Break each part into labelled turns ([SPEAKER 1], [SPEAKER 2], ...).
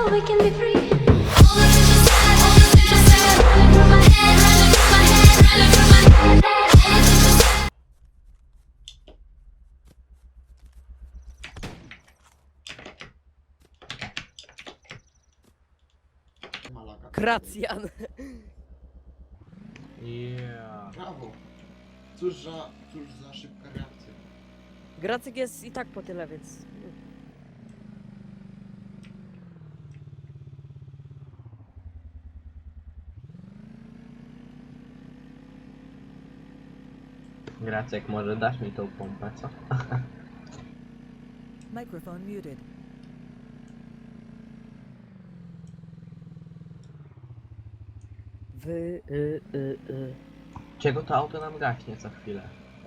[SPEAKER 1] so we can be free. All the central side, running through my head, running through my head, running through my head. All the central side.
[SPEAKER 2] Malaga.
[SPEAKER 3] Gracjan.
[SPEAKER 4] Yeah.
[SPEAKER 2] Brawo. Cóż za szybka reakcja.
[SPEAKER 3] Gracek jest i tak po tyle, więc...
[SPEAKER 4] Gracek, może dasz mi tą pompę, co?
[SPEAKER 5] Microphone muted.
[SPEAKER 4] Czego to auto nam gaśnie co chwilę?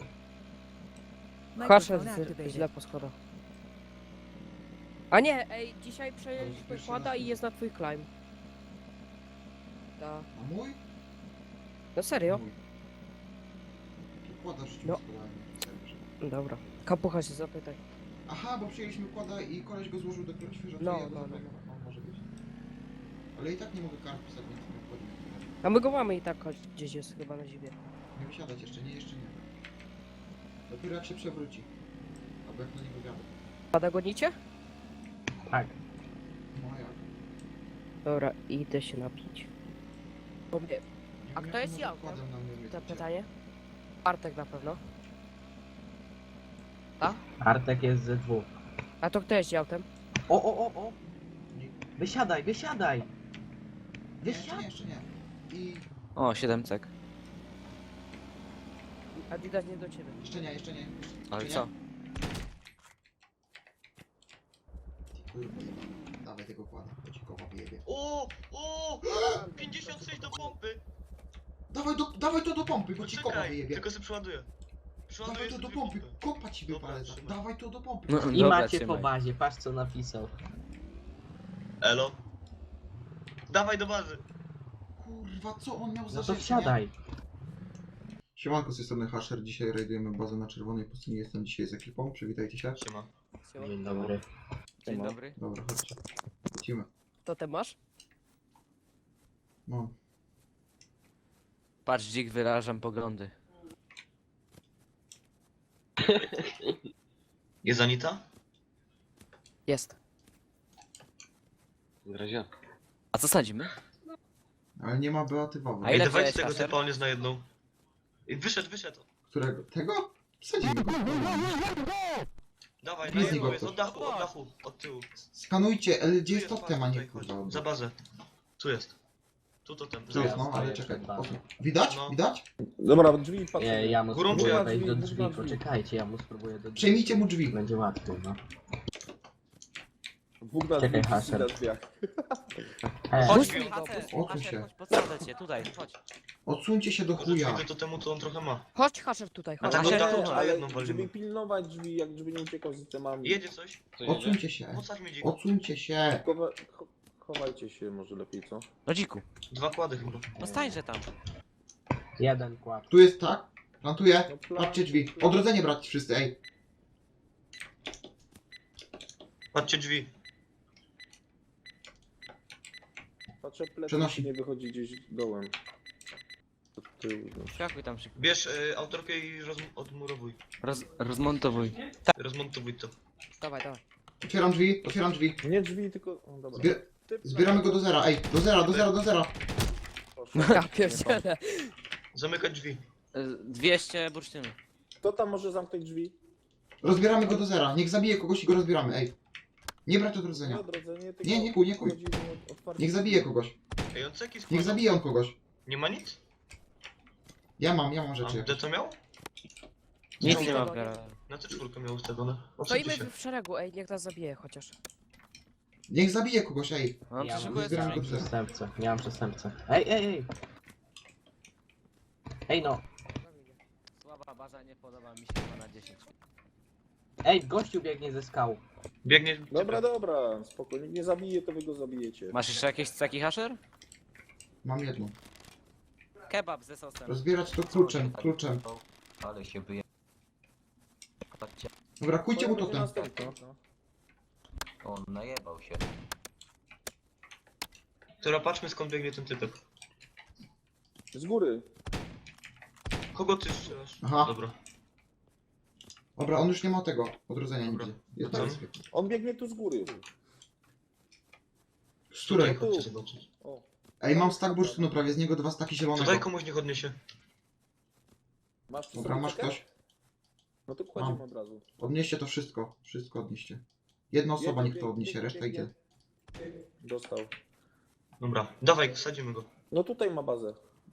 [SPEAKER 3] Hasher
[SPEAKER 5] Microphone
[SPEAKER 3] źle
[SPEAKER 5] activated.
[SPEAKER 3] po schodach. A nie, ej, dzisiaj przejęliśmy kłada i jest na twój climb. Da.
[SPEAKER 2] A mój?
[SPEAKER 3] No serio?
[SPEAKER 2] Mój. Kłada rzucił
[SPEAKER 3] No.
[SPEAKER 2] schodami.
[SPEAKER 3] Dobra. Kapucha się zapytaj.
[SPEAKER 2] Aha, bo przyjęliśmy kłada i koleś go złożył dopiero świeżo.
[SPEAKER 3] No,
[SPEAKER 2] Ja go
[SPEAKER 3] no, no.
[SPEAKER 2] zabrałem. No, może być. Ale i tak nie mogę kart pisać, więc nie wchodzi.
[SPEAKER 3] A my go mamy i tak, choć gdzieś jest chyba na zimie.
[SPEAKER 2] Nie wysiadać jeszcze nie. Dopiero jak się przewróci. Albo jak na niego wiadę.
[SPEAKER 3] Pada gonicie?
[SPEAKER 4] Tak.
[SPEAKER 2] No a jak?
[SPEAKER 3] Dobra, idę się napić. Bo mnie...
[SPEAKER 2] Nie
[SPEAKER 3] A
[SPEAKER 2] wiem,
[SPEAKER 3] kto
[SPEAKER 2] jak
[SPEAKER 3] jest
[SPEAKER 2] może
[SPEAKER 3] ja?
[SPEAKER 2] kładem na mnie
[SPEAKER 3] To
[SPEAKER 2] lecieć.
[SPEAKER 3] pytanie? Bartek na pewno.
[SPEAKER 4] Artek jest ze dwóch.
[SPEAKER 3] A to kto jest autem?
[SPEAKER 4] O!
[SPEAKER 2] Nie.
[SPEAKER 4] Wysiadaj!
[SPEAKER 2] Nie, jeszcze
[SPEAKER 4] Wysiadaj!
[SPEAKER 2] nie, jeszcze nie. I...
[SPEAKER 6] O, 7 cek.
[SPEAKER 3] Adidas nie do ciebie.
[SPEAKER 2] Jeszcze nie.
[SPEAKER 6] Ale
[SPEAKER 2] Jeszcze
[SPEAKER 6] co?
[SPEAKER 2] nie. Ty kurwa jebana. Dawaj tego kłada, bo ci koła wyjebie.
[SPEAKER 7] O! 56 do pompy!
[SPEAKER 2] Dawaj to do pompy, bo ci koła
[SPEAKER 7] Poczekaj,
[SPEAKER 2] wyjebie.
[SPEAKER 7] tylko sobie przeładuję. Przeładuję
[SPEAKER 2] Dawaj to do
[SPEAKER 7] sobie
[SPEAKER 2] pompy,
[SPEAKER 7] pompę.
[SPEAKER 2] kopa ci
[SPEAKER 7] Dobra,
[SPEAKER 2] wypalę.
[SPEAKER 7] trzymaj.
[SPEAKER 2] Dawaj to do pompy.
[SPEAKER 6] No,
[SPEAKER 4] I
[SPEAKER 6] dobra,
[SPEAKER 4] macie
[SPEAKER 6] trzymaj.
[SPEAKER 4] po bazie, patrz co napisał.
[SPEAKER 7] Elo? Dawaj do bazy!
[SPEAKER 2] Kurwa, co on miał za
[SPEAKER 4] No to
[SPEAKER 2] rzeczy,
[SPEAKER 4] wsiadaj.
[SPEAKER 2] nie? Siemanko, z tej strony Hasher. Dzisiaj rajdujemy bazę na czerwonej pustyni. Jestem dzisiaj z ekipą, przywitajcie się.
[SPEAKER 7] Siema.
[SPEAKER 4] Dzień dobry.
[SPEAKER 6] Dzień dobry.
[SPEAKER 2] Dobra, chodźcie. Lecimy.
[SPEAKER 3] To ty masz?
[SPEAKER 2] No.
[SPEAKER 6] Patrz, dzik, wyrażam poglądy.
[SPEAKER 7] Jest Anita?
[SPEAKER 3] Jest.
[SPEAKER 6] A co sadzimy?
[SPEAKER 2] Ale nie ma Beaty Wawy.
[SPEAKER 6] A ile
[SPEAKER 7] Ej, dawajcie
[SPEAKER 6] wziąłeś,
[SPEAKER 7] tego
[SPEAKER 6] Kasper?
[SPEAKER 7] typa, on jest na jedną. Ej, wyszedł!
[SPEAKER 2] Którego? Tego? Wsadzimy go.
[SPEAKER 7] Dawaj, na
[SPEAKER 2] Blizzy
[SPEAKER 7] jedną
[SPEAKER 2] go
[SPEAKER 7] jest,
[SPEAKER 2] ktoś.
[SPEAKER 7] od dachu, od tyłu.
[SPEAKER 2] Skanujcie, ale gdzie
[SPEAKER 7] Tu
[SPEAKER 2] jest totem, a nie
[SPEAKER 7] tutaj,
[SPEAKER 2] kurwa.
[SPEAKER 7] chodź, za bazę. Tu jest. Tu totem.
[SPEAKER 2] Tu jest,
[SPEAKER 7] Za-
[SPEAKER 2] no, ale
[SPEAKER 4] stoję
[SPEAKER 2] czekaj.
[SPEAKER 4] przed bazą.
[SPEAKER 2] Widać?
[SPEAKER 7] No.
[SPEAKER 2] Widać?
[SPEAKER 8] Dobra, drzwi patrzę.
[SPEAKER 4] Ja mu
[SPEAKER 7] Górą czy
[SPEAKER 4] spróbuję
[SPEAKER 7] jak?
[SPEAKER 4] wejść do
[SPEAKER 8] Drzwi,
[SPEAKER 4] drzwi,
[SPEAKER 8] drzwi.
[SPEAKER 4] poczekajcie, ja mu spróbuję do drzwi.
[SPEAKER 2] Przejmijcie mu drzwi.
[SPEAKER 4] Będzie łatwiej, no.
[SPEAKER 8] Dwóch na
[SPEAKER 4] Czekaj,
[SPEAKER 8] drzwi,
[SPEAKER 4] Hasher.
[SPEAKER 8] na drzwiach.
[SPEAKER 7] Chodź,
[SPEAKER 3] Puść mi go,
[SPEAKER 6] Hacer,
[SPEAKER 3] puść.
[SPEAKER 2] Odsuń się.
[SPEAKER 6] chodź, podsadzę cię, tutaj, chodź.
[SPEAKER 2] Odsuńcie się do chuja.
[SPEAKER 7] Chuja. Do temu to on trochę ma.
[SPEAKER 3] Chodź Hasher tutaj,
[SPEAKER 7] A
[SPEAKER 3] chodź.
[SPEAKER 7] tak
[SPEAKER 6] Hasher,
[SPEAKER 7] się dachu, na
[SPEAKER 8] ale
[SPEAKER 7] jedną walimy.
[SPEAKER 8] żeby pilnować drzwi, jak żeby nie uciekał z temami.
[SPEAKER 7] Jedzie coś?
[SPEAKER 2] Odsuńcie się.
[SPEAKER 7] Podsadź mi dzik.
[SPEAKER 2] Odsuńcie się.
[SPEAKER 8] Chowajcie się może lepiej, co?
[SPEAKER 6] No dziku.
[SPEAKER 7] 2 kłady chyba.
[SPEAKER 6] No stańże tam.
[SPEAKER 4] Jeden kład.
[SPEAKER 2] Tu jest tak. Plantuję.
[SPEAKER 8] No plan-
[SPEAKER 2] Patrzcie drzwi. Odrodzenie brać wszyscy, ej.
[SPEAKER 7] Patrzcie drzwi.
[SPEAKER 8] Patrzę plecy,
[SPEAKER 2] Przenosi.
[SPEAKER 8] czy nie wychodzi gdzieś dołem. Od tyłu, no.
[SPEAKER 6] Skakuj tam szybko.
[SPEAKER 7] Bierz autorkę i odmurowuj.
[SPEAKER 6] Rozmontowuj.
[SPEAKER 7] Rozmontowuj to.
[SPEAKER 3] Dawaj.
[SPEAKER 2] Otwieram drzwi.
[SPEAKER 8] Nie drzwi, tylko... O, dobra. Typ na-
[SPEAKER 2] Zbieramy go do zera, ej. Do zera.
[SPEAKER 8] Proszę.
[SPEAKER 3] Ja pierdzielę.
[SPEAKER 7] Zamykać drzwi.
[SPEAKER 6] 200 bursztynu.
[SPEAKER 8] Kto tam może zamknąć drzwi?
[SPEAKER 2] Rozbieramy go do zera. Niech zabije kogoś i go rozbieramy, ej. Nie brać odrodzenia.
[SPEAKER 8] Odrodzenie, tylko...
[SPEAKER 2] Nie kuj.
[SPEAKER 8] chodzi o otwarcie
[SPEAKER 2] Niech zabije kogoś.
[SPEAKER 7] Ej, on ceki
[SPEAKER 2] Niech
[SPEAKER 7] składa.
[SPEAKER 2] zabije on kogoś.
[SPEAKER 7] Nie ma nic?
[SPEAKER 2] Ja mam
[SPEAKER 7] A
[SPEAKER 2] rzeczy.
[SPEAKER 7] D co miał?
[SPEAKER 6] Nic
[SPEAKER 3] No,
[SPEAKER 6] nie ma
[SPEAKER 3] no,
[SPEAKER 6] w garażu.
[SPEAKER 7] Na C4 miał ustawione. Odsuńcie
[SPEAKER 3] Stoimy
[SPEAKER 7] się.
[SPEAKER 3] w szeregu, ej, niech nas zabije chociaż.
[SPEAKER 2] Niech zabije kogoś, ej.
[SPEAKER 6] No
[SPEAKER 4] Ja
[SPEAKER 6] to szybko jest
[SPEAKER 2] zbieram
[SPEAKER 4] mam
[SPEAKER 2] go
[SPEAKER 6] skrzynki.
[SPEAKER 4] przestępcę, nie mam przestępcę. Ej! Ej no!
[SPEAKER 6] Słaba baza, nie podoba mi się 2 na 10.
[SPEAKER 4] Ej, gościu biegnie ze skał.
[SPEAKER 7] Biegnie.
[SPEAKER 8] Dobra, spokojnie. Nie zabije, to wy go zabijecie.
[SPEAKER 6] Masz jeszcze jakieś ceki, Hasher?
[SPEAKER 2] Mam jedną.
[SPEAKER 6] Kebab ze sosem.
[SPEAKER 2] Rozbierać to kluczem.
[SPEAKER 9] Ale się wyje... Patrzcie,
[SPEAKER 2] Dobra, kujcie mu
[SPEAKER 8] Będzie
[SPEAKER 2] totem.
[SPEAKER 8] następna, no.
[SPEAKER 9] on najebał się.
[SPEAKER 7] Która patrzmy skąd biegnie ten typek.
[SPEAKER 8] Z góry.
[SPEAKER 7] Kogo ty strzelasz?
[SPEAKER 2] Aha.
[SPEAKER 7] Dobra.
[SPEAKER 2] Dobra, on już nie ma tego odrodzenia
[SPEAKER 7] Dobra.
[SPEAKER 2] nigdzie. Jest
[SPEAKER 7] Co?
[SPEAKER 2] na wyspie.
[SPEAKER 8] On biegnie tu z góry.
[SPEAKER 2] Z której?
[SPEAKER 7] Tutaj chodźcie zobaczyć.
[SPEAKER 8] O.
[SPEAKER 2] Ej, mam stack bursztynu prawie, z niego 2 staki
[SPEAKER 7] Tutaj
[SPEAKER 2] zielonego.
[SPEAKER 7] komuś niech odniesie.
[SPEAKER 8] Masz przy
[SPEAKER 2] Dobra,
[SPEAKER 8] sobie
[SPEAKER 2] masz
[SPEAKER 8] cekę?
[SPEAKER 2] ktoś?
[SPEAKER 8] No to kładziemy
[SPEAKER 2] Mam.
[SPEAKER 8] od razu.
[SPEAKER 2] Odnieście to wszystko. Wszystko odnieście. Jedna osoba
[SPEAKER 8] Biegnie,
[SPEAKER 2] niech to odniesie,
[SPEAKER 8] biegnie,
[SPEAKER 2] reszta idzie.
[SPEAKER 8] biegnie. Dostał.
[SPEAKER 7] Dobra, dawaj, sadzimy go.
[SPEAKER 8] No tutaj ma bazę.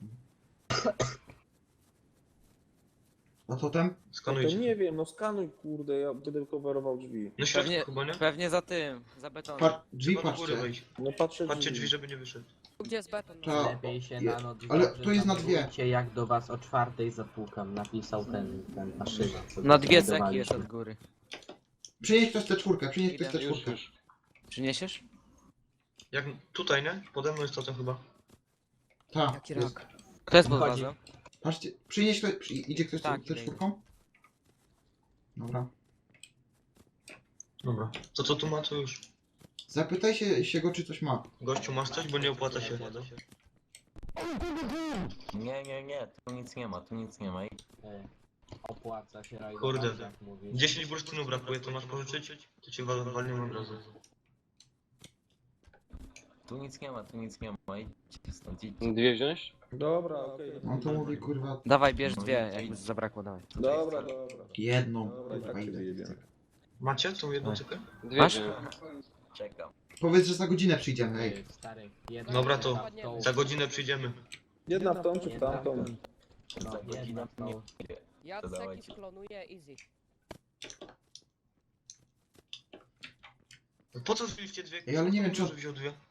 [SPEAKER 2] A totem?
[SPEAKER 8] To
[SPEAKER 7] Skanujcie.
[SPEAKER 8] nie wiem, no skanuj kurde, ja będę coverował drzwi.
[SPEAKER 7] Na środku
[SPEAKER 6] Pewnie,
[SPEAKER 7] chyba, nie?
[SPEAKER 6] pewnie za tym, za betonem.
[SPEAKER 2] Drzwi
[SPEAKER 7] Trzeba do góry
[SPEAKER 2] patrzcie.
[SPEAKER 7] wejść.
[SPEAKER 8] No patrzę
[SPEAKER 7] Patrzcie drzwi, żeby nie wyszedł.
[SPEAKER 3] Gdzie jest beton?
[SPEAKER 2] Ta-
[SPEAKER 4] Lepiej się
[SPEAKER 2] je-
[SPEAKER 4] na noc
[SPEAKER 2] ale
[SPEAKER 4] dobrze
[SPEAKER 2] to jest na dwie.
[SPEAKER 4] zamurujcie, jak do was o 4 zapukam, napisał ten maszyna. co
[SPEAKER 6] Na dwie ceki
[SPEAKER 4] znajdowaliśmy.
[SPEAKER 6] jest od góry.
[SPEAKER 2] Przynieś ktoś tę czwórkę, przynieś ktoś tę
[SPEAKER 6] Idę.
[SPEAKER 2] czwórkę.
[SPEAKER 6] Przyniesiesz?
[SPEAKER 7] Jak tutaj, nie? Pode mną jest totem chyba.
[SPEAKER 2] Tak.
[SPEAKER 3] Jaki rak.
[SPEAKER 6] Kto jest pod
[SPEAKER 4] Wchodzi.
[SPEAKER 6] bazą?
[SPEAKER 2] Patrzcie, przynieś ktoś, idzie ktoś
[SPEAKER 6] Tak,
[SPEAKER 2] tę
[SPEAKER 6] idę.
[SPEAKER 2] czwórką? Dobra.
[SPEAKER 7] Dobra. To co tu ma, to już.
[SPEAKER 2] Zapytaj się go, czy coś ma.
[SPEAKER 7] Gościu, masz coś, bo nie opłaca się.
[SPEAKER 9] Nie, tu nic nie ma, tu nic nie ma.
[SPEAKER 4] Opłaca się rajdować,
[SPEAKER 7] Kurde.
[SPEAKER 4] jak mówisz.
[SPEAKER 7] 10 bursztynów brakuje, to masz pożyczyć? To cię walniemy od razu.
[SPEAKER 9] Tu nic nie ma, tu nic nie ma. Idźcie stąd, idźcie.
[SPEAKER 8] Dwie wziąć? Dobra, okej.
[SPEAKER 2] On to mówi, kurwa,
[SPEAKER 6] Dawaj, bierz dwie, jakby zabrakło, dawaj.
[SPEAKER 8] Dobra, dobra.
[SPEAKER 2] jedną.
[SPEAKER 8] Dobra, i
[SPEAKER 2] Kurwa,
[SPEAKER 8] tak się
[SPEAKER 2] ile.
[SPEAKER 8] wyjebiemy.
[SPEAKER 7] Macie tą jedną cekę?
[SPEAKER 6] Masz?
[SPEAKER 9] Czekam.
[SPEAKER 2] Powiedz, że za godzinę przyjdziemy, ej.
[SPEAKER 4] Stary, jedna
[SPEAKER 7] Dobra, to
[SPEAKER 4] jedna w tą-
[SPEAKER 7] za godzinę przyjdziemy.
[SPEAKER 8] Jedna w tą czy w
[SPEAKER 4] jedna w
[SPEAKER 8] tamtą?
[SPEAKER 4] tą. No,
[SPEAKER 9] Za
[SPEAKER 4] jedna
[SPEAKER 9] godzinę
[SPEAKER 4] w tą.
[SPEAKER 9] nie.
[SPEAKER 3] Ja
[SPEAKER 9] To
[SPEAKER 3] ceki
[SPEAKER 9] dawajcie.
[SPEAKER 3] sklonuję easy.
[SPEAKER 7] Po co wzięliście dwie?
[SPEAKER 2] Ej, ale nie wiem, czy on-
[SPEAKER 7] Może wziął dwie.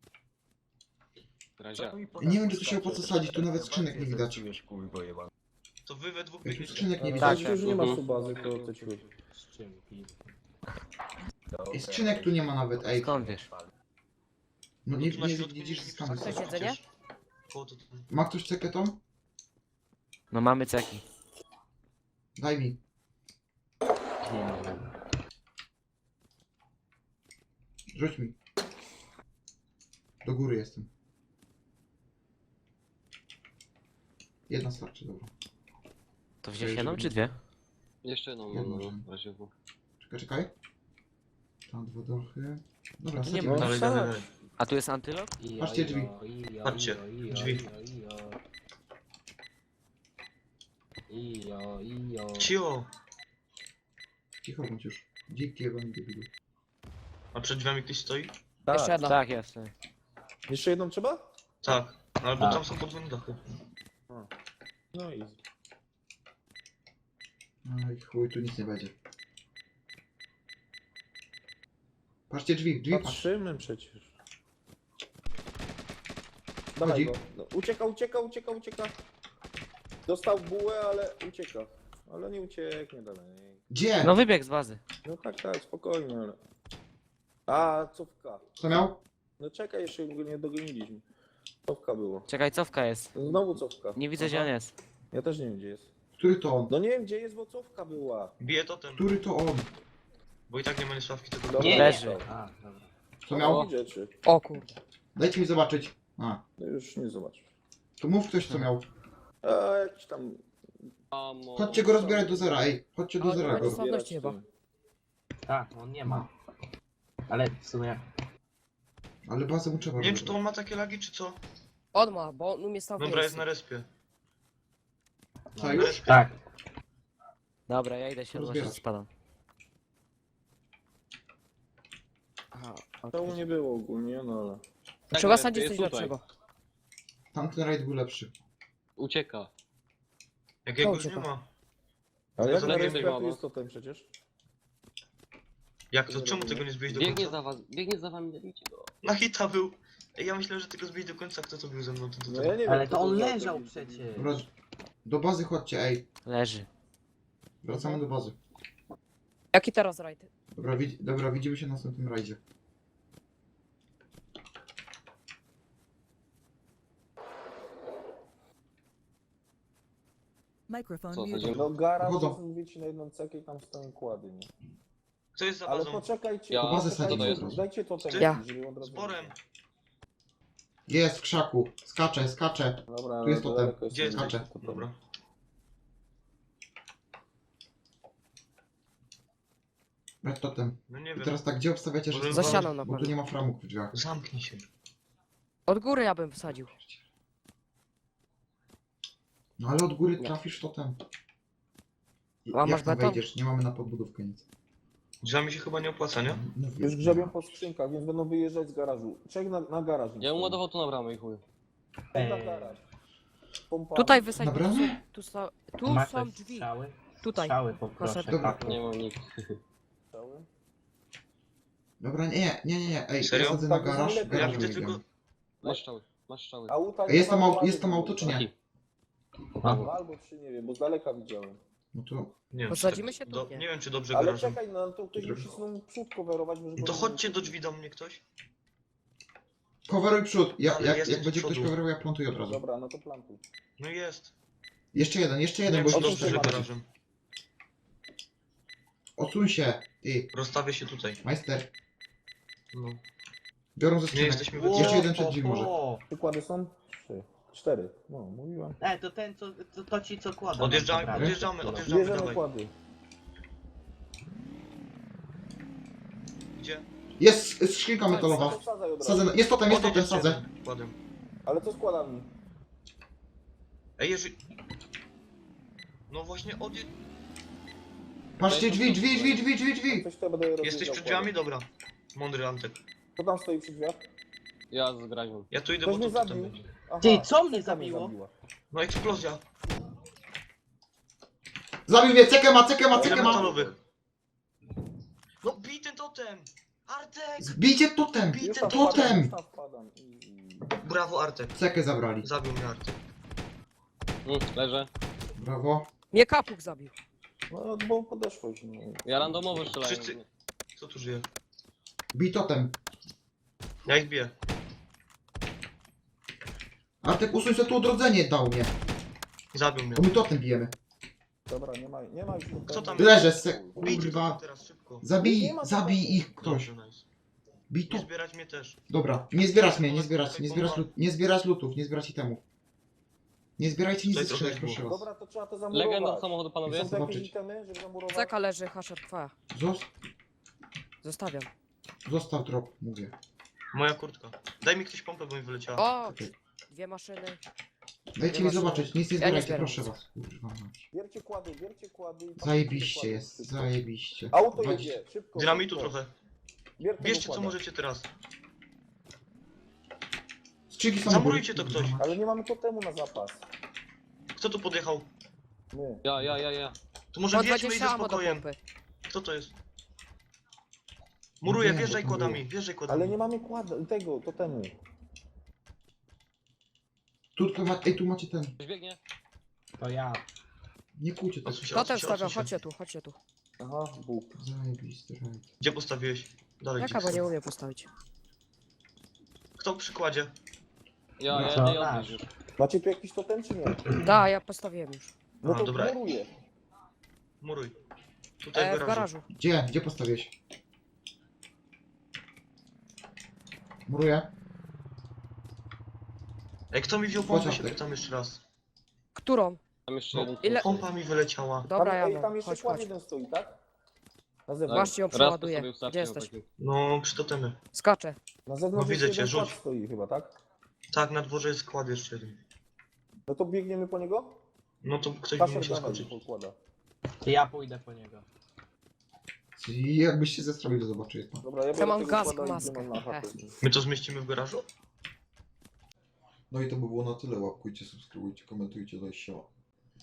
[SPEAKER 2] Nie wiem, czy tu się opłaca sadzić, tu nawet skrzynek nie widać.
[SPEAKER 9] Czujesz, kurwa, jebany.
[SPEAKER 7] To wy we dwóch
[SPEAKER 2] Ej, tu
[SPEAKER 7] biegniecie.
[SPEAKER 2] skrzynek nie
[SPEAKER 8] Tak,
[SPEAKER 2] widać.
[SPEAKER 8] już nie ma tu bazy, to te ciuchy.
[SPEAKER 4] Skrzynki.
[SPEAKER 2] Ej, skrzynek tu nie ma nawet, ej.
[SPEAKER 6] Skąd wiesz?
[SPEAKER 2] No nie,
[SPEAKER 7] Tu na
[SPEAKER 2] nie
[SPEAKER 7] środku
[SPEAKER 2] widzisz
[SPEAKER 7] nie
[SPEAKER 2] skamy.
[SPEAKER 3] Chcesz jedzenie?
[SPEAKER 7] Koło to-
[SPEAKER 2] Ma ktoś cekę tą?
[SPEAKER 6] No mamy ceki.
[SPEAKER 2] Daj mi.
[SPEAKER 4] Nie ma.
[SPEAKER 2] Rzuć mi. Do góry jestem. Jedna starczy, dobra.
[SPEAKER 6] To wziąłeś jedną czy dwie?
[SPEAKER 8] Jeszcze jedną,
[SPEAKER 2] Jedną,
[SPEAKER 8] no,
[SPEAKER 2] że-
[SPEAKER 8] w razie W.
[SPEAKER 2] Czekaj. Tam dwa dochy. Dobra,
[SPEAKER 6] Tu nie
[SPEAKER 2] sadzimy.
[SPEAKER 6] ma.
[SPEAKER 7] Dalej, dalej, dalej.
[SPEAKER 6] A tu jest antylop?
[SPEAKER 2] Patrzcie drzwi.
[SPEAKER 7] Patrzcie, drzwi. Cio!
[SPEAKER 2] Cicho bądź już. Dziki jego nie debilu.
[SPEAKER 7] A przed drzwiami ktoś stoi?
[SPEAKER 3] Jeszcze jedna.
[SPEAKER 6] Tak, jest.
[SPEAKER 8] Jeszcze jedną trzeba?
[SPEAKER 7] Tak. Albo
[SPEAKER 4] Tak.
[SPEAKER 7] tam są podwójne dachy.
[SPEAKER 8] No i
[SPEAKER 2] Aj, chuj, tu nic nie będzie. Patrzcie drzwi, drzwi patrz.
[SPEAKER 8] patrzymy przecież. Dawaj
[SPEAKER 2] Chodzi.
[SPEAKER 8] go. No, ucieka. Dostał bułę, ale ucieka. Ale nie ucieknie dalej.
[SPEAKER 2] Gdzie?
[SPEAKER 6] No wybieg z bazy.
[SPEAKER 8] No tak, spokojnie, ale... A, cofka.
[SPEAKER 2] Co miał?
[SPEAKER 8] No czekaj, jeszcze go nie dogoniliśmy. Cofka było.
[SPEAKER 6] Czekaj, cofka jest.
[SPEAKER 8] Znowu cofka.
[SPEAKER 6] Nie widzę, gdzie on jest.
[SPEAKER 8] Ja też nie wiem, gdzie jest.
[SPEAKER 2] Który to on?
[SPEAKER 8] No nie wiem, gdzie jest, bo cofka była.
[SPEAKER 7] Bije totem,
[SPEAKER 2] Który to on?
[SPEAKER 7] bo i tak nie ma niesławki tego.
[SPEAKER 8] Dobra,
[SPEAKER 4] Nie,
[SPEAKER 6] Leży.
[SPEAKER 4] A, dobra.
[SPEAKER 2] Co miał?
[SPEAKER 8] Rzeczy.
[SPEAKER 3] O kurde.
[SPEAKER 2] Dajcie mi zobaczyć. A,
[SPEAKER 8] No już nie zobaczysz.
[SPEAKER 2] to mów ktoś co miał.
[SPEAKER 8] A, jakiś tam...
[SPEAKER 2] Chodźcie go rozbierać do zera, ej. Chodźcie do
[SPEAKER 3] Ale
[SPEAKER 2] zera
[SPEAKER 3] będzie
[SPEAKER 2] go.
[SPEAKER 3] sławności chyba.
[SPEAKER 4] Tak, on nie ma. Ale w sumie...
[SPEAKER 2] Ale bazę mu trzeba
[SPEAKER 7] Nie wiem, czy to
[SPEAKER 2] rozbierać.
[SPEAKER 7] on ma takie lagi, czy co?
[SPEAKER 3] On ma, bo on umie stał w
[SPEAKER 7] Dobra, jest
[SPEAKER 3] miejscu.
[SPEAKER 7] na respie.
[SPEAKER 2] Co
[SPEAKER 7] Na
[SPEAKER 2] już?
[SPEAKER 7] respie.
[SPEAKER 4] Tak.
[SPEAKER 6] Dobra, ja idę się
[SPEAKER 2] Rozbierać.
[SPEAKER 6] odnosić, spadam.
[SPEAKER 3] Aha,
[SPEAKER 8] To
[SPEAKER 3] okej.
[SPEAKER 8] nie było ogólnie, no ale...
[SPEAKER 3] Trzeba sadzić coś lepszego.
[SPEAKER 2] Tamten rajd był lepszy.
[SPEAKER 8] Ucieka.
[SPEAKER 7] Jakiegoś nie
[SPEAKER 3] ucieka.
[SPEAKER 7] ma.
[SPEAKER 8] Ale jak
[SPEAKER 7] To
[SPEAKER 8] na
[SPEAKER 7] nie
[SPEAKER 8] respirator
[SPEAKER 7] było.
[SPEAKER 8] jest totem przecież.
[SPEAKER 7] Jak to? Czemu tego nie zbiłeś do końca?
[SPEAKER 8] Biegnie za wami, zabijcie go.
[SPEAKER 7] Na hita był. Ej, ja myślałem, że tego zbić do końca. Kto to był ze mną?
[SPEAKER 8] No ja nie wiem,
[SPEAKER 4] Ale
[SPEAKER 8] kto
[SPEAKER 4] to on
[SPEAKER 8] za
[SPEAKER 4] leżał
[SPEAKER 8] to-
[SPEAKER 4] przecież.
[SPEAKER 2] Dobra, do bazy chodźcie, ej.
[SPEAKER 6] Leży.
[SPEAKER 2] Wracamy do bazy.
[SPEAKER 3] Jaki teraz rajd?
[SPEAKER 2] Dobra, widzimy się na następnym rajdzie.
[SPEAKER 5] Microphone
[SPEAKER 8] Co,
[SPEAKER 5] muted.
[SPEAKER 8] chodzi? No garaż,
[SPEAKER 2] Chodzą.
[SPEAKER 8] to wiecie na jedną cekę i tam stoją kłady, nie?
[SPEAKER 7] Kto jest za
[SPEAKER 8] Ale
[SPEAKER 7] bazą?
[SPEAKER 8] poczekajcie,
[SPEAKER 2] Ja- bazę
[SPEAKER 8] poczekajcie,
[SPEAKER 2] sadzimy od razu.
[SPEAKER 8] dajcie totem,
[SPEAKER 3] Ja.
[SPEAKER 8] żeby od razu...
[SPEAKER 7] Sporem.
[SPEAKER 2] Jest w krzaku. Skacze, skacze.
[SPEAKER 8] Dobra,
[SPEAKER 2] Tu jest
[SPEAKER 8] no
[SPEAKER 2] totem.
[SPEAKER 8] daleko
[SPEAKER 7] Gdzie jest
[SPEAKER 2] Skacze.
[SPEAKER 8] totem.
[SPEAKER 7] Dobra.
[SPEAKER 2] Brać totem.
[SPEAKER 7] No nie
[SPEAKER 2] I
[SPEAKER 7] wiem.
[SPEAKER 2] teraz tak, gdzie obstawiacie, że
[SPEAKER 7] Może
[SPEAKER 3] Za
[SPEAKER 7] Za
[SPEAKER 3] ścianą na
[SPEAKER 2] Bo tu
[SPEAKER 3] pewno.
[SPEAKER 2] nie ma framug w drzwiach.
[SPEAKER 7] Zamknij się.
[SPEAKER 3] Od góry ja bym wsadził.
[SPEAKER 2] No ale od góry trafisz totem.
[SPEAKER 3] A masz
[SPEAKER 2] Jak tam
[SPEAKER 3] beton?
[SPEAKER 2] wejdziesz? Nie mamy na podbudówkę nic.
[SPEAKER 7] Drzwiami się chyba nie opłaca, nie?
[SPEAKER 2] Mówię.
[SPEAKER 8] Już grzebią po skrzynkach, więc będą wyjeżdżać z garażu. Czek na garaż.
[SPEAKER 9] Ja bym ładował tu na bramę i chuj.
[SPEAKER 8] Na garaż. Pompa.
[SPEAKER 3] Tutaj wysadź, bo
[SPEAKER 2] Dobra.
[SPEAKER 3] tu są drzwi.
[SPEAKER 4] Strzały?
[SPEAKER 3] Tutaj.
[SPEAKER 4] Strzały poproszę.
[SPEAKER 2] Dobra.
[SPEAKER 4] tak.
[SPEAKER 9] Nie mam nic.
[SPEAKER 8] Cały.
[SPEAKER 2] Dobra, nie. Ej,
[SPEAKER 7] Serio?
[SPEAKER 2] ja sadzę na
[SPEAKER 8] Tak,
[SPEAKER 2] garaż.
[SPEAKER 8] lepiej.
[SPEAKER 7] Ja
[SPEAKER 2] garaż
[SPEAKER 7] widzę
[SPEAKER 2] wyjdziemy.
[SPEAKER 7] tylko...
[SPEAKER 9] Masz strzały, masz strzały.
[SPEAKER 8] Auta
[SPEAKER 2] Ej, jest tam
[SPEAKER 8] nie ma
[SPEAKER 2] jest tam
[SPEAKER 8] żadnych
[SPEAKER 2] auto czy nie?
[SPEAKER 9] Taki.
[SPEAKER 8] Dwa albo trzy, nie wiem, bo z daleka widziałem.
[SPEAKER 2] No to...
[SPEAKER 7] Nie wiem,
[SPEAKER 3] Posadzimy
[SPEAKER 7] czy
[SPEAKER 3] się tu?
[SPEAKER 7] do...
[SPEAKER 3] Nie.
[SPEAKER 7] Nie wiem, czy dobrze
[SPEAKER 8] Ale
[SPEAKER 7] garażem.
[SPEAKER 8] czekaj, no to ktoś musi znowu przód coverować, może...
[SPEAKER 7] No to chodźcie do drzwi do mnie ktoś.
[SPEAKER 2] Coveruj przód.
[SPEAKER 7] Ale
[SPEAKER 2] Jak
[SPEAKER 7] jesteś
[SPEAKER 2] będzie
[SPEAKER 7] z
[SPEAKER 2] ktoś
[SPEAKER 7] przodu.
[SPEAKER 2] coverował, ja plantuję od razu.
[SPEAKER 8] Dobra, no to plantuj.
[SPEAKER 7] No jest.
[SPEAKER 2] Jeszcze jeden,
[SPEAKER 7] Nie
[SPEAKER 2] bo
[SPEAKER 7] wiem, czy
[SPEAKER 2] już
[SPEAKER 7] dobrze, że
[SPEAKER 8] trzeba.
[SPEAKER 7] garażem.
[SPEAKER 2] Odsuń się, ty,
[SPEAKER 7] Rozstawię się tutaj.
[SPEAKER 2] majster.
[SPEAKER 7] No.
[SPEAKER 2] Biorą ze
[SPEAKER 7] Nie
[SPEAKER 2] skrzynek.
[SPEAKER 7] jesteśmy
[SPEAKER 4] Ło,
[SPEAKER 2] Jeszcze
[SPEAKER 7] wyciągnięci.
[SPEAKER 2] jeden przed drzwi może.
[SPEAKER 8] Przykłady są? Trzy. Cztery. No, mówiłem.
[SPEAKER 4] To ten, to ci co kładą.
[SPEAKER 7] Odjeżdżamy,
[SPEAKER 4] Dobra.
[SPEAKER 7] odjeżdżamy,
[SPEAKER 8] Bierzemy
[SPEAKER 7] dawaj.
[SPEAKER 8] kłady.
[SPEAKER 7] Gdzie?
[SPEAKER 2] Jest skrzynka metalowa.
[SPEAKER 8] Wsadzaj od razu.
[SPEAKER 2] Sadzę, jest totem,
[SPEAKER 7] Odjedź
[SPEAKER 2] sadzę.
[SPEAKER 7] jeden. Kładem.
[SPEAKER 8] Ale co z kładami?
[SPEAKER 7] Ej, jeżeli... No właśnie, odjedź...
[SPEAKER 2] Patrzcie, drzwi.
[SPEAKER 8] Coś to będę rozjeżdżał
[SPEAKER 7] Jesteś przed
[SPEAKER 8] kładem.
[SPEAKER 7] drzwiami? Dobra. Mądry Antek.
[SPEAKER 8] Kto tam stoi przy drzwiach?
[SPEAKER 9] Ja z graźmą.
[SPEAKER 7] Ja tu idę,
[SPEAKER 8] Ktoś
[SPEAKER 7] bo
[SPEAKER 8] mnie
[SPEAKER 7] to potem
[SPEAKER 8] zabił.
[SPEAKER 7] będzie.
[SPEAKER 8] Aha,
[SPEAKER 4] Ty, co mnie
[SPEAKER 8] skrzynka
[SPEAKER 4] zabiło?
[SPEAKER 8] zabiła.
[SPEAKER 7] No eksplozja.
[SPEAKER 2] Zabił mnie, cekę ma.
[SPEAKER 7] Ile metalowych? No bij ten totem! Artek!
[SPEAKER 2] Zbijcie totem.
[SPEAKER 7] Bij
[SPEAKER 8] Już
[SPEAKER 7] ten
[SPEAKER 8] tam
[SPEAKER 7] totem!
[SPEAKER 8] wpadam,
[SPEAKER 2] Totem.
[SPEAKER 8] już tam wpadam.
[SPEAKER 7] Brawo Artek.
[SPEAKER 2] Cekę zabrali.
[SPEAKER 7] Zabił mnie Artek.
[SPEAKER 9] Leżę.
[SPEAKER 2] Brawo.
[SPEAKER 3] Mnie kapuk zabił.
[SPEAKER 8] No, bo podeszłeś. No.
[SPEAKER 9] Ja randomowo strzelałem.
[SPEAKER 7] Wszyscy- Kto tu żyje?
[SPEAKER 2] Bij totem.
[SPEAKER 7] Ja ich biję.
[SPEAKER 2] Artek, usuń sobie tu odrodzenie dał mnie.
[SPEAKER 7] Zabił mnie.
[SPEAKER 2] Bo my totem bijemy.
[SPEAKER 8] Dobra, nie ma już tu.
[SPEAKER 7] Kto tam
[SPEAKER 2] Leżę, se...
[SPEAKER 7] Bijcie
[SPEAKER 2] Kurwa.
[SPEAKER 7] totem teraz szybko.
[SPEAKER 2] Zabij ich ktoś.
[SPEAKER 7] Dobrze, nice.
[SPEAKER 2] Bij
[SPEAKER 7] Nie
[SPEAKER 2] to.
[SPEAKER 7] zbierać mnie też.
[SPEAKER 2] Dobra, nie zbierać mnie, nie zbierać lutów, nie zbierać itemów. Nie zbierajcie nic ze
[SPEAKER 7] Tutaj
[SPEAKER 2] skrzynek,
[SPEAKER 7] trochę
[SPEAKER 2] proszę was.
[SPEAKER 8] Dobra, to trzeba to zamurować.
[SPEAKER 9] Legenda samochodu
[SPEAKER 8] Są
[SPEAKER 9] panowie.
[SPEAKER 8] tu jakieś
[SPEAKER 2] Zobaczyć.
[SPEAKER 8] itemy, żeby zamurować?
[SPEAKER 3] Ceka leży, hasher twoja. Zostawiam.
[SPEAKER 2] Zostaw drop, mówię.
[SPEAKER 7] Moja kurtka. Daj mi ktoś pompę, bo mi wyleciała.
[SPEAKER 3] O! Dwie maszyny.
[SPEAKER 2] Dajcie mi zobaczyć, nic nie
[SPEAKER 3] Ja nie
[SPEAKER 2] zbierajcie,
[SPEAKER 3] zbieram
[SPEAKER 2] proszę
[SPEAKER 3] nic.
[SPEAKER 2] was. Kurwa mać.
[SPEAKER 8] Biercie kłady, biercie kłady. i
[SPEAKER 2] Zajebiście
[SPEAKER 8] kłady.
[SPEAKER 2] jest,
[SPEAKER 8] Szybko.
[SPEAKER 2] zajebiście.
[SPEAKER 8] Auto
[SPEAKER 2] 20.
[SPEAKER 8] jedzie, szybko.
[SPEAKER 7] Dynamitu
[SPEAKER 8] szybko.
[SPEAKER 7] trochę.
[SPEAKER 8] Biercie
[SPEAKER 7] Bierzcie
[SPEAKER 8] kłada.
[SPEAKER 7] co możecie teraz.
[SPEAKER 2] Skrzynki są
[SPEAKER 7] Zamurujcie to ktoś.
[SPEAKER 8] Ale nie mamy totemu na zapas.
[SPEAKER 7] Kto tu podjechał?
[SPEAKER 8] My.
[SPEAKER 9] Ja.
[SPEAKER 7] To może
[SPEAKER 3] Po
[SPEAKER 7] wjedźmy i
[SPEAKER 3] 20
[SPEAKER 7] ze
[SPEAKER 3] ammo do
[SPEAKER 7] spokojem.
[SPEAKER 3] pompy.
[SPEAKER 7] Kto to jest? Muruję,
[SPEAKER 2] Nie,
[SPEAKER 7] wjeżdżaj
[SPEAKER 2] bo to
[SPEAKER 7] kładami,
[SPEAKER 2] było.
[SPEAKER 7] wjeżdżaj kładami.
[SPEAKER 8] Ale nie mamy tego totemu.
[SPEAKER 2] Ej, tu macie ten.
[SPEAKER 9] Ktoś biegnie?
[SPEAKER 4] To ja.
[SPEAKER 2] Nie kłócie to.
[SPEAKER 7] Odsuń się,
[SPEAKER 3] Totem
[SPEAKER 7] odsuń się,
[SPEAKER 3] stawiam,
[SPEAKER 7] odsuń się.
[SPEAKER 3] chodźcie tu.
[SPEAKER 8] Aha, Bóg.
[SPEAKER 2] Zajebisty rajd.
[SPEAKER 7] Gdzie postawiłeś? Dalej.
[SPEAKER 3] Jaka, bo
[SPEAKER 7] Dixon.
[SPEAKER 3] nie umiem postawić.
[SPEAKER 7] Kto w przykładzie?
[SPEAKER 9] Ja
[SPEAKER 4] No
[SPEAKER 9] jedę i
[SPEAKER 4] to
[SPEAKER 9] odbierz już.
[SPEAKER 8] Macie tu jakiś totem czy nie?
[SPEAKER 3] Da, ja postawiłem już.
[SPEAKER 8] No
[SPEAKER 7] A,
[SPEAKER 8] to
[SPEAKER 7] dobra.
[SPEAKER 8] muruję.
[SPEAKER 7] Muruj. Tutaj
[SPEAKER 3] W
[SPEAKER 7] w garażu.
[SPEAKER 3] garażu.
[SPEAKER 2] Gdzie postawiłeś? Muruję.
[SPEAKER 7] Ej, kto mi wziął pompę,
[SPEAKER 2] Chodź,
[SPEAKER 7] się
[SPEAKER 2] Antek.
[SPEAKER 7] pytam jeszcze raz.
[SPEAKER 3] Którą?
[SPEAKER 9] Tam jeszcze
[SPEAKER 7] No,
[SPEAKER 9] jeden.
[SPEAKER 3] ile-
[SPEAKER 7] Pompa mi wyleciała.
[SPEAKER 3] Dobra, ja
[SPEAKER 8] Ej,
[SPEAKER 3] mam.
[SPEAKER 8] tam jeszcze
[SPEAKER 3] Chodź,
[SPEAKER 8] kład
[SPEAKER 3] chodź.
[SPEAKER 8] jeden stoi, tak? Na
[SPEAKER 9] Tak.
[SPEAKER 8] zewnątrz.
[SPEAKER 3] Właśnie ją
[SPEAKER 9] Raz to
[SPEAKER 3] przeładuję.
[SPEAKER 9] sobie
[SPEAKER 3] Gdzie
[SPEAKER 9] ustawię
[SPEAKER 3] jesteś?
[SPEAKER 9] taki.
[SPEAKER 7] No, przy totemy.
[SPEAKER 3] Skaczę.
[SPEAKER 8] Na zewnątrz
[SPEAKER 7] No, widzę
[SPEAKER 8] jeszcze
[SPEAKER 7] cię,
[SPEAKER 8] jeden
[SPEAKER 7] rzuć.
[SPEAKER 8] kład stoi chyba, tak?
[SPEAKER 7] Tak, na dworze jest skład jeszcze jeden.
[SPEAKER 8] No to biegniemy po niego?
[SPEAKER 7] No to ktoś by
[SPEAKER 8] Kaszer
[SPEAKER 7] musiał
[SPEAKER 8] dawaj,
[SPEAKER 7] skoczyć.
[SPEAKER 8] pokłada.
[SPEAKER 4] To ja pójdę po niego.
[SPEAKER 2] I jakbyś się zestroił, to zobaczycie.
[SPEAKER 8] Dobra, ja
[SPEAKER 3] Ja
[SPEAKER 8] biorę
[SPEAKER 3] mam
[SPEAKER 8] tego
[SPEAKER 3] gaz,
[SPEAKER 8] kłada i
[SPEAKER 3] maskę.
[SPEAKER 8] idziemy na chatę.
[SPEAKER 7] My to zmieścimy w garażu?
[SPEAKER 2] No i to by było na tyle. Łapkujcie, subskrybujcie, komentujcie, daj się.